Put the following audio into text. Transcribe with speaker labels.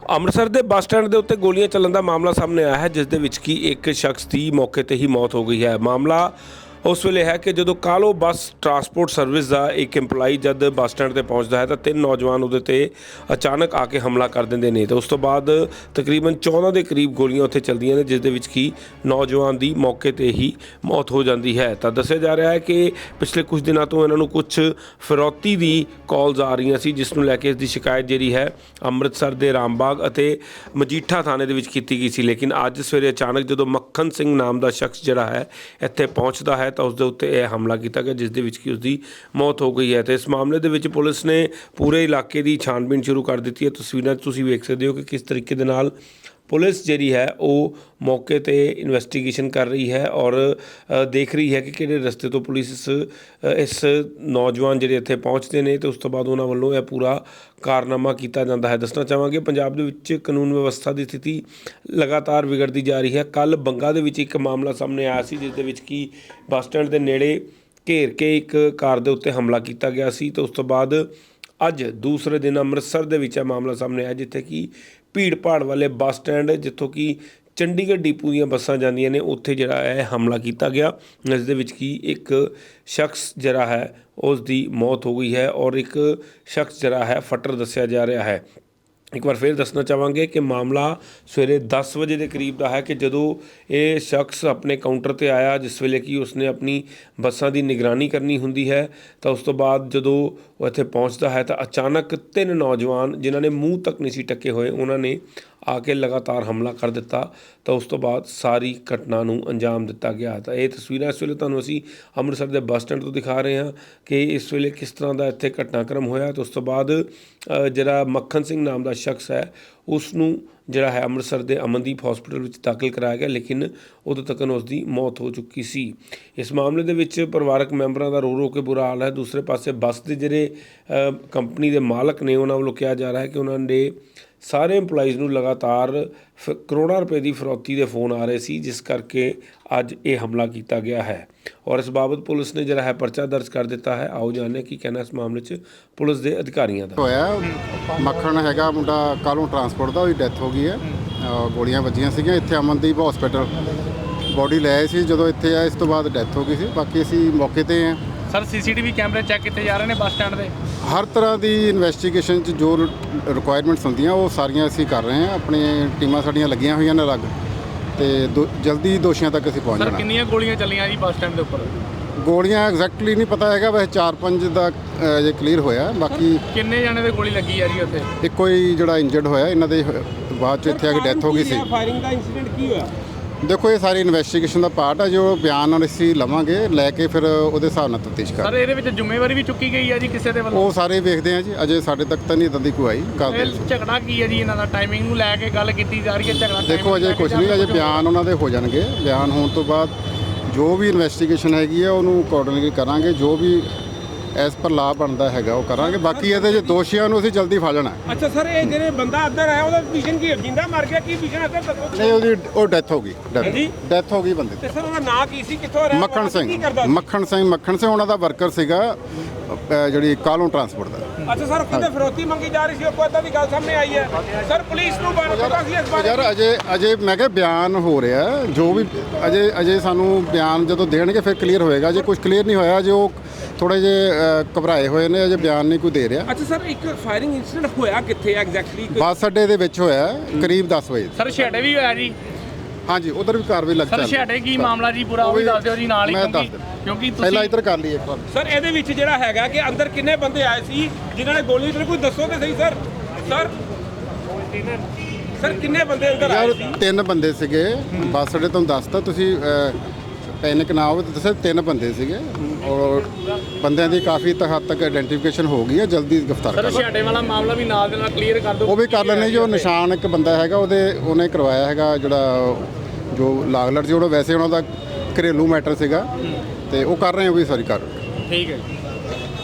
Speaker 1: ਅੰਮ੍ਰਿਤਸਰ ਦੇ bus stand ਦੇ ਉੱਤੇ ਗੋਲੀਆਂ ਚੱਲਣ ਦਾ ਮਾਮਲਾ ਸਾਹਮਣੇ ਆਇਆ ਹੈ, ਜਿਸ ਦੇ ਵਿੱਚ ਕਿ ਇੱਕ ਸ਼ਖਸ ਦੀ ਮੌਕੇ ਤੇ ਹੀ ਮੌਤ ਹੋ ਗਈ ਹੈ। ਮਾਮਲਾ ਉਸ ਵੇਲੇ ਹੈ ਕਿ ਜਦੋਂ ਕਾਲੋ ਬੱਸ ਟਰਾਂਸਪੋਰਟ ਸਰਵਿਸ ਦਾ ਇੱਕ EMPLOYE ਜਦ ਬੱਸ ਸਟੈਂਡ ਤੇ ਪਹੁੰਚਦਾ ਹੈ ਤਾਂ ਤਿੰਨ ਨੌਜਵਾਨ ਉਹਦੇ ਤੇ ਅਚਾਨਕ ਆ ਕੇ ਹਮਲਾ ਕਰ ਦਿੰਦੇ ਨੇ ਤੇ ਉਸ ਤੋਂ ਬਾਅਦ ਤਕਰੀਬਨ 14 ਦੇ ਕਰੀਬ ਗੋਲੀਆਂ ਉੱਥੇ ਚੱਲਦੀਆਂ ਨੇ, ਜਿਸ ਦੇ ਵਿੱਚ ਕਿ ਨੌਜਵਾਨ ਦੀ ਮੌਕੇ ਤੇ ਹੀ ਮੌਤ ਹੋ ਜਾਂਦੀ ਹੈ। ਤਾਂ ਦੱਸਿਆ ਜਾ ਰਿਹਾ ਹੈ ਕਿ ਪਿਛਲੇ ਕੁਝ ਦਿਨਾਂ ਤੋਂ ਇਹਨਾਂ ਨੂੰ ਕੁਝ ਫਿਰੌਤੀ ਦੀ ਕਾਲਸ ਆ ਰਹੀਆਂ ਸੀ, ਜਿਸ ਨੂੰ ਲੈ ਕੇ ਇਸ ਦੀ ਸ਼ਿਕਾਇਤ ਜਿਹੜੀ ਹੈ ਅੰਮ੍ਰਿਤਸਰ ਦੇ ਰਾਮਬਾਗ ਅਤੇ ਮਜੀਠਾ ਥਾਣੇ ਦੇ ਵਿੱਚ ਕੀਤੀ ਗਈ ਸੀ। ਲੇਕਿਨ ਅੱਜ ਸਵੇਰੇ ਅਚਾਨਕ ਜਦੋਂ ਮੱਖਣ ਸਿੰਘ ਨਾਮ ਦਾ ਸ਼ਖਸ ਜਿਹੜਾ ਹੈ ਇੱਥੇ ਪਹੁੰਚਦਾ ਹੈ ਤਾਂ ਉਸ ਦੇ ਉੱਤੇ ਇਹ ਹਮਲਾ ਕੀਤਾ ਗਿਆ, ਜਿਸ ਦੇ ਵਿੱਚ ਕਿ ਉਸ ਦੀ ਮੌਤ ਹੋ ਗਈ ਹੈ। ਤੇ ਇਸ ਮਾਮਲੇ ਦੇ ਵਿੱਚ ਪੁਲਿਸ ਨੇ ਪੂਰੇ ਇਲਾਕੇ ਦੀ ਛਾਣਬੀਣ ਸ਼ੁਰੂ ਕਰ ਦਿੱਤੀ ਹੈ। ਤਸਵੀਰਾਂ 'ਚ ਤੁਸੀਂ ਵੇਖ ਸਕਦੇ ਹੋ ਕਿ ਕਿਸ ਤਰੀਕੇ ਦੇ ਨਾਲ ਪੁਲਿਸ ਜਿਹੜੀ ਹੈ ਉਹ ਮੌਕੇ ਤੇ ਇਨਵੈਸਟੀਗੇਸ਼ਨ ਕਰ ਰਹੀ ਹੈ ਔਰ ਦੇਖ ਰਹੀ ਹੈ ਕਿ ਕਿਹੜੇ ਰਸਤੇ ਤੋਂ ਪੁਲਿਸ ਇਸ ਨੌਜਵਾਨ ਜਿਹੜੇ ਇੱਥੇ ਪਹੁੰਚਦੇ ਨੇ ਤੇ ਉਸ ਤੋਂ ਬਾਅਦ ਉਹਨਾਂ ਵੱਲੋਂ ਇਹ ਪੂਰਾ ਕਾਰਨਾਮਾ ਕੀਤਾ ਜਾਂਦਾ ਹੈ। ਦੱਸਣਾ ਚਾਹਾਂਗੇ ਪੰਜਾਬ ਦੇ ਵਿੱਚ ਕਾਨੂੰਨ ਵਿਵਸਥਾ ਦੀ ਸਥਿਤੀ ਲਗਾਤਾਰ ਵਿਗੜਦੀ ਜਾ ਰਹੀ ਹੈ। ਕੱਲ੍ਹ ਬੰਗਾ ਦੇ ਵਿੱਚ ਇੱਕ ਮਾਮਲਾ ਸਾਹਮਣੇ ਆਇਆ ਸੀ, ਜਿਸ ਦੇ ਵਿੱਚ ਕਿ ਬੱਸ ਸਟੈਂਡ ਦੇ ਨੇੜੇ ਘੇਰ ਕੇ ਇੱਕ ਕਾਰ ਦੇ ਉੱਤੇ ਹਮਲਾ ਕੀਤਾ ਗਿਆ ਸੀ ਤੇ ਉਸ ਤੋਂ ਬਾਅਦ ਅੱਜ ਦੂਸਰੇ ਦਿਨ ਅੰਮ੍ਰਿਤਸਰ ਦੇ ਵਿੱਚ ਇਹ ਮਾਮਲਾ ਸਾਹਮਣੇ ਆਇਆ, ਜਿੱਥੇ ਕਿ ਭੀੜ ਭਾੜ ਵਾਲੇ ਬੱਸ ਸਟੈਂਡ ਜਿੱਥੋਂ ਕਿ ਚੰਡੀਗੜ੍ਹ ਡਿਪੂ ਦੀਆਂ ਬੱਸਾਂ ਜਾਂਦੀਆਂ ਨੇ ਉੱਥੇ ਜਿਹੜਾ ਹੈ ਹਮਲਾ ਕੀਤਾ ਗਿਆ, ਜਿਸ ਦੇ ਵਿੱਚ ਕਿ ਇੱਕ ਸ਼ਖਸ ਜਿਹੜਾ ਹੈ ਉਸ ਦੀ ਮੌਤ ਹੋ ਗਈ ਹੈ ਔਰ ਇੱਕ ਸ਼ਖਸ ਜਿਹੜਾ ਹੈ ਫੱਟੜ ਦੱਸਿਆ ਜਾ ਰਿਹਾ ਹੈ। ਇੱਕ ਵਾਰ ਫਿਰ ਦੱਸਣਾ ਚਾਹਾਂਗੇ ਕਿ ਮਾਮਲਾ ਸਵੇਰੇ 10 ਵਜੇ ਦੇ ਕਰੀਬ ਦਾ ਹੈ ਕਿ ਜਦੋਂ ਇਹ ਸ਼ਖਸ ਆਪਣੇ ਕਾਊਂਟਰ ਤੇ ਆਇਆ, ਜਿਸ ਵੇਲੇ ਕਿ ਉਸਨੇ ਆਪਣੀ ਬੱਸਾਂ ਦੀ ਨਿਗਰਾਨੀ ਕਰਨੀ ਹੁੰਦੀ ਹੈ ਤਾਂ ਉਸ ਤੋਂ ਬਾਅਦ ਜਦੋਂ ਉਹ ਇੱਥੇ ਪਹੁੰਚਦਾ ਹੈ ਤਾਂ ਅਚਾਨਕ ਤਿੰਨ ਨੌਜਵਾਨ ਜਿਨ੍ਹਾਂ ਨੇ ਮੂੰਹ ਤੱਕ ਨਹੀਂ ਸੀ ਢੱਕੇ ਹੋਏ ਉਹਨਾਂ ਨੇ ਆ ਕੇ ਲਗਾਤਾਰ ਹਮਲਾ ਕਰ ਦਿੱਤਾ ਤਾਂ ਉਸ ਤੋਂ ਬਾਅਦ ਸਾਰੀ ਘਟਨਾ ਨੂੰ ਅੰਜਾਮ ਦਿੱਤਾ ਗਿਆ। ਤਾਂ ਇਹ ਤਸਵੀਰਾਂ ਇਸ ਵੇਲੇ ਤੁਹਾਨੂੰ ਅਸੀਂ ਅੰਮ੍ਰਿਤਸਰ ਦੇ ਬੱਸ ਸਟੈਂਡ ਤੋਂ ਦਿਖਾ ਰਹੇ ਹਾਂ ਕਿ ਇਸ ਵੇਲੇ ਕਿਸ ਤਰ੍ਹਾਂ ਦਾ ਇੱਥੇ ਘਟਨਾਕ੍ਰਮ ਹੋਇਆ। ਤਾਂ ਉਸ ਤੋਂ ਬਾਅਦ ਜਿਹੜਾ ਮੱਖਣ ਸਿੰਘ ਨਾਮ ਦਾ ਸ਼ਖਸ ਹੈ ਉਸ ਨੂੰ ਜਿਹੜਾ ਹੈ ਅੰਮ੍ਰਿਤਸਰ ਦੇ ਅਮਨਦੀਪ ਹਸਪੀਟਲ ਵਿੱਚ ਦਾਖਲ ਕਰਾਇਆ ਗਿਆ, ਲੇਕਿਨ ਉਦੋਂ ਤੱਕ ਉਸ ਦੀ ਮੌਤ ਹੋ ਚੁੱਕੀ ਸੀ। ਇਸ ਮਾਮਲੇ ਦੇ ਵਿੱਚ ਪਰਿਵਾਰਕ ਮੈਂਬਰਾਂ ਦਾ ਰੋ ਕੇ ਬੁਰਾ ਹਾਲ ਹੈ। ਦੂਸਰੇ ਪਾਸੇ ਬੱਸ ਦੇ ਜਿਹੜੇ ਕੰਪਨੀ ਦੇ ਮਾਲਕ ਨੇ ਉਹਨਾਂ ਵੱਲੋਂ ਕਿਹਾ ਜਾ ਰਿਹਾ ਹੈ ਕਿ ਉਹਨਾਂ ਦੇ ਸਾਰੇ EMPLOYEES ਨੂੰ ਲਗਾਤਾਰ ਕਰੋੜਾਂ ਰੁਪਏ ਦੀ ਫਿਰੌਤੀ ਦੇ ਫੋਨ ਆ ਰਹੇ ਸੀ, ਜਿਸ ਕਰਕੇ ਅੱਜ ਇਹ ਹਮਲਾ ਕੀਤਾ ਗਿਆ ਹੈ ਔਰ ਇਸ ਬਾਬਤ ਪੁਲਿਸ ਨੇ ਜਿਹੜਾ ਹੈ ਪਰਚਾ ਦਰਜ ਕਰ ਦਿੱਤਾ ਹੈ। ਆਓ ਜਾਣਦੇ ਕੀ ਕਹਿਣਾ ਇਸ ਮਾਮਲੇ 'ਚ ਪੁਲਿਸ ਦੇ ਅਧਿਕਾਰੀਆਂ ਦਾ।
Speaker 2: ਹੋਇਆ ਮੱਖਣ ਹੈਗਾ ਮੁੰਡਾ ਕਾਲੋਂ ਟਰਾਂਸਪੋਰਟ ਦਾ, ਉਹਦੀ ਡੈਥ ਹੋ ਗਈ ਹੈ। ਗੋਲੀਆਂ ਵੱਜੀਆਂ ਸੀਗੀਆਂ ਇੱਥੇ ਅਮਨਦੀਪ ਹਸਪੀਟਲ, ਬੋਡੀ ਲੈ ਆਏ ਸੀ, ਜਦੋਂ ਇੱਥੇ ਆਏ ਇਸ ਤੋਂ ਬਾਅਦ ਡੈਥ ਹੋ ਗਈ ਸੀ। ਬਾਕੀ ਅਸੀਂ ਮੌਕੇ ਤੇ ਹਾਂ।
Speaker 3: ਸਰ CCTV ਕੈਮਰੇ ਚੈੱਕ ਕੀਤੇ ਜਾ ਰਹੇ ਨੇ ਬੱਸ ਸਟੈਂਡ ਦੇ।
Speaker 2: ਹਰ ਤਰ੍ਹਾਂ ਦੀ ਇਨਵੈਸਟੀਗੇਸ਼ਨ 'ਚ ਜੋ ਰਿਕੁਆਇਰਮੈਂਟਸ ਹੁੰਦੀਆਂ ਉਹ ਸਾਰੀਆਂ ਅਸੀਂ ਕਰ ਰਹੇ ਹਾਂ। ਆਪਣੀਆਂ ਟੀਮਾਂ ਸਾਡੀਆਂ ਲੱਗੀਆਂ ਹੋਈਆਂ ਨੇ ਅਲੱਗ, ਤੇ ਜਲਦੀ ਦੋਸ਼ੀਆਂ ਤੱਕ ਅਸੀਂ ਪਹੁੰਚ ਜਾਣਾ।
Speaker 3: ਸਰ ਕਿੰਨੀਆਂ ਗੋਲੀਆਂ ਚੱਲੀਆਂ ਜੀ ਬੱਸ ਸਟੈਂਡ ਦੇ ਉੱਪਰ?
Speaker 2: ਗੋਲੀਆਂ ਐਗਜ਼ੈਕਟਲੀ ਨਹੀਂ ਪਤਾ ਹੈਗਾ, ਵੈਸੇ 4-5 ਦਾ ਜੇ ਕਲੀਅਰ ਹੋਇਆ। ਬਾਕੀ
Speaker 3: ਕਿੰਨੇ ਜਾਣੇ ਦੇ ਗੋਲੀ ਲੱਗੀ ਆ ਜੀ ਉੱਥੇ?
Speaker 2: ਇੱਕੋ ਹੀ ਜਿਹੜਾ ਇੰਜਰਡ ਹੋਇਆ, ਇਹਨਾਂ ਦੇ ਬਾਅਦ 'ਚ ਇੱਥੇ ਆ ਕੇ ਡੈਥ ਹੋ ਗਈ ਸੀ।
Speaker 1: ਫਾਇਰਿੰਗ ਦਾ ਇਨਸੀਡੈਂਟ ਕੀ ਹੋਇਆ?
Speaker 2: ਦੇਖੋ ਇਹ ਸਾਰੀ ਇਨਵੈਸਟੀਗੇਸ਼ਨ ਦਾ ਪਾਰਟ ਹੈ, ਜੋ ਬਿਆਨ ਅਸੀਂ ਲਵਾਂਗੇ ਲੈ ਕੇ ਫਿਰ ਉਹਦੇ ਹਿਸਾਬ ਨਾਲ ਤਫਤੀਸ਼
Speaker 3: ਸਰ ਇਹਦੇ ਵਿੱਚ ਜ਼ਿੰਮੇਵਾਰੀ ਵੀ ਚੁੱਕੀ ਗਈ ਹੈ ਜੀ ਕਿਸੇ ਦੇ ਵੱਲੋਂ?
Speaker 2: ਉਹ ਸਾਰੇ ਵੇਖਦੇ ਆ ਜੀ, ਅਜੇ ਸਾਡੇ ਤੱਕ ਤਾਂ ਨਹੀਂ ਇਦਾਂ ਦੀ ਕੋਈ ਆਈ ਗੱਲ।
Speaker 3: ਝਗੜਾ ਕੀ ਹੈ ਜੀ ਇਹਨਾਂ ਦਾ? ਟਾਈਮਿੰਗ ਨੂੰ ਲੈ ਕੇ ਗੱਲ ਕੀਤੀ ਜਾ ਰਹੀ ਹੈ? ਝਗੜਾ
Speaker 2: ਦੇਖੋ ਅਜੇ ਕੁਝ ਨਹੀਂ, ਅਜੇ ਬਿਆਨ ਉਹਨਾਂ ਦੇ ਹੋ ਜਾਣਗੇ। ਬਿਆਨ ਹੋਣ ਤੋਂ ਬਾਅਦ ਜੋ ਵੀ ਇਨਵੈਸਟੀਗੇਸ਼ਨ ਹੈਗੀ ਹੈ ਉਹਨੂੰ ਅਕੋਰਡਿੰਗਲੀ ਕਰਾਂਗੇ, ਜੋ ਵੀ ਐਸ ਪਰ ਲਾਭ ਬਣਦਾ ਹੈਗਾ ਉਹ ਕਰਾਂਗੇ। ਬਾਕੀ ਇਹਦੇ ਜੇ ਦੋਸ਼ੀਆਂ ਨੂੰ ਅਸੀਂ ਜਲਦੀ ਫੜ ਲੈਣਾ।
Speaker 1: ਅੱਛਾ ਸਰ, ਇਹ ਜਿਹੜੇ ਬੰਦਾ ਅੰਦਰ ਆਇਆ ਉਹਦਾ ਵਿਸ਼ਨ ਕੀ ਜਿੰਦਾ ਮਰ ਗਿਆ, ਕੀ ਵਿਸ਼ਨ ਹੈ ਸਰ?
Speaker 2: ਨਹੀਂ ਉਹ ਡੈਥ ਹੋ ਗਈ, ਡੈਥ ਹੋ ਗਈ ਬੰਦੇ ਦੀ।
Speaker 1: ਤੇ ਸਰ ਉਹਦਾ ਨਾਂ ਕੀ ਸੀ, ਕਿੱਥੋਂ ਰਿਹਾ?
Speaker 2: ਮੱਖਣ ਸਿੰਘ ਉਹਨਾ ਦਾ ਵਰਕਰ ਸੀਗਾ ਜਿਹੜੀ ਕਾਲੋਂ ਟਰਾਂਸਪੋਰਟ ਦਾ।
Speaker 1: ਅੱਛਾ ਸਰ, ਕਿਤੇ ਫਿਰੌਤੀ ਮੰਗੀ ਜਾ ਰਹੀ ਸੀ, ਕੋਈ ਏਦਾਂ ਦੀ ਗੱਲ ਸਾਹਮਣੇ ਆਈ ਹੈ? ਸਰ ਪੁਲਿਸ ਨੂੰ ਪਤਾ ਸੀ ਇਸ ਬਾਰੇ?
Speaker 2: ਯਾਰ ਅਜੇ ਮੈਂ ਕਿਹਾ ਬਿਆਨ ਹੋ ਰਿਹਾ, ਜੋ ਵੀ ਅਜੇ ਸਾਨੂੰ ਬਿਆਨ ਜਦੋਂ ਦੇਣਗੇ ਫਿਰ ਕਲੀਅਰ ਹੋਏਗਾ। ਜੇ ਕੁਝ ਕਲੀਅਰ ਨਹੀਂ ਹੋਇਆ, ਜੇ ਉਹ ਥੋੜੇ ਜਿਹੇ ਘਬਰਾਏ ਹੋਏ ਨੇ, ਅਜੇ ਬਿਆਨ ਨਹੀਂ ਕੋਈ ਦੇ ਰਿਹਾ।
Speaker 1: ਅੱਛਾ ਸਰ, ਇੱਕ ਫਾਇਰਿੰਗ ਇਨਸੀਡੈਂਟ ਹੋਇਆ ਕਿੱਥੇ ਐਗਜ਼ੈਕਟਲੀ?
Speaker 2: ਬੱਸ ਅੱਡੇ ਦੇ ਵਿੱਚ ਹੋਇਆ ਕਰੀਬ 10 ਵਜੇ।
Speaker 3: ਸਰ ਛੇੜੇ ਵੀ ਹੋਇਆ ਜੀ?
Speaker 2: ਹਾਂਜੀ, ਉਧਰ ਵੀ ਕਾਰਵਾਈ ਲੱਗ
Speaker 3: ਸਰ ਛੇੜੇ ਕੀ ਮਾਮਲਾ ਜੀ ਪੂਰਾ ਉਹ ਵੀ ਦੱਸ ਦਿਓ ਜੀ ਨਾਲ ਹੀ, ਕਿਉਂਕਿ
Speaker 2: ਪਹਿਲਾਂ ਇੱਧਰ ਕਰ ਲਈਏ ਇੱਕ ਵਾਰ।
Speaker 1: ਸਰ ਇਹਦੇ ਵਿੱਚ ਜਿਹੜਾ ਹੈਗਾ ਕਿ ਅੰਦਰ ਕਿੰਨੇ ਬੰਦੇ ਆਏ ਸੀ ਜਿਨ੍ਹਾਂ ਨੇ ਗੋਲੀ ਚਲਾਈ, ਕੋਈ ਦੱਸੋ ਤੇ ਸਹੀ ਸਰ। ਸਰ ਕਿੰਨੇ ਬੰਦੇ ਅੰਦਰ ਆਏ ਸੀ?
Speaker 2: 3 ਬੰਦੇ ਸੀਗੇ ਬੱਸ ਅੱਡੇ, ਤੁਹਾਨੂੰ ਦੱਸਤਾ, ਤੁਸੀਂ ਪੈਨਿਕ ਨਾ ਹੋਵੇ ਤਾਂ ਦੱਸਿਆ 3 ਬੰਦੇ ਸੀਗੇ ਔਰ ਬੰਦਿਆਂ ਦੀ ਕਾਫੀ ਹੱਦ ਤੱਕ ਆਇਡੈਂਟੀਫਿਕੇਸ਼ਨ ਹੋ ਗਈ ਹੈ। ਜਲਦੀ ਗ੍ਰਿਫਤਾਰ ਕਰ
Speaker 3: ਸਰ ਛੇੜੇ ਵਾਲਾ ਮਾਮਲਾ ਵੀ ਨਾਲ ਦੇ ਨਾਲ ਕਲੀਅਰ ਕਰ ਦਿਓ।
Speaker 2: ਉਹ ਵੀ ਕਰ ਲੈਣੇ। ਜੋ ਨਿਸ਼ਾਨ ਇੱਕ ਬੰਦਾ ਹੈਗਾ ਉਹਨੇ ਕਰਵਾਇਆ ਹੈਗਾ, ਜਿਹੜਾ ਜੋ ਲਾਗਲਟ ਸੀ, ਉਹਦਾ ਵੈਸੇ ਉਹਨਾਂ ਦਾ ਘਰੇਲੂ ਮੈਟਰ ਸੀਗਾ, ਤੇ ਉਹ ਕਰ ਰਹੇ ਉਹ ਵੀ ਸਾਰੀ ਕਰ।
Speaker 3: ਠੀਕ ਹੈ।